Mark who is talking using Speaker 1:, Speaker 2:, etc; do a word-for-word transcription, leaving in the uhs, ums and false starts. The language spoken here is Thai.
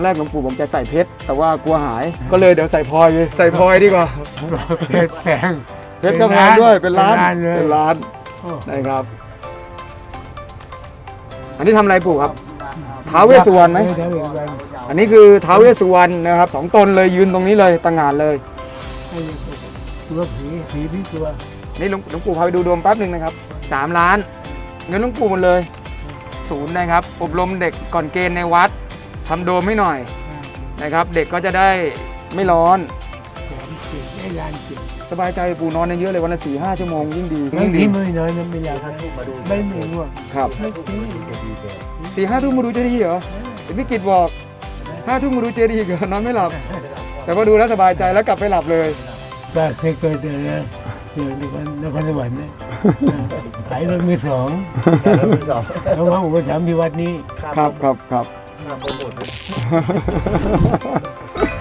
Speaker 1: แรกหลวงปู่บอกจะใส่เพชรแต่ว่ากลัวหายก็เลยเดี๋ยวใส่พลอยเลยใส่พลอยดีกว่า
Speaker 2: เพชรแพง
Speaker 1: เพชรก็แพงด้วยเป็นล้าน
Speaker 2: เลย
Speaker 1: เป็นล้าน
Speaker 2: โอ้
Speaker 1: นะครับอันนี้ทำอะไรปู่ครับท้าวเวสสุวรรณไหม
Speaker 2: เออท้าวเวสสุวรรณ
Speaker 1: อันนี้คือท้าวเวสสุวรรณนะครับสองตนเลยยืนตรงนี้เลยต่างงานเลย
Speaker 2: ไอ้ตัวผีผีพี่ตัว
Speaker 1: นี่หลวงหลวงปู่พาไปดูดวงแป๊บหนึ่งนะครับสามล้านเงินหลวงปู่หมดเลยศูนย์นะครับอบรมเด็กก่อนเกณฑ์ในวัดทำโดมให้หน่อยนะครับเด็กก็จะได้ไม่ร้อน
Speaker 2: แสนเจ็ดได้ล้านเจ็ด
Speaker 1: สบายใจปู่นอนเยอะเลยวันละสี่ห้าชั่วโมงยิ่งดี
Speaker 2: บาง
Speaker 1: ยิ่ง
Speaker 2: ที
Speaker 1: ดี
Speaker 2: ไม่น้อยนะไม่อยากไม่ไม่ง่วง
Speaker 1: ครับ
Speaker 2: ไม่ทิ้ง
Speaker 1: สี่ห้าทุ่มมาดูเจดีย์เหรอเห็นพี่กิตบอกห้าทุ่มมาดูเจดีย์เหรอนอนไม่หลับ แต่พอดูแล้วสบายใจแล้วกลับไปหลับเลย
Speaker 2: ก็เคยเกิดเลยนะเดี๋ยวนครนครสวรรค์นะขายรถมือสองแล้วมาอุปถัมภ์ที่วัดนี้
Speaker 1: ครับครับครับ
Speaker 3: ข้ามไปหมดเลย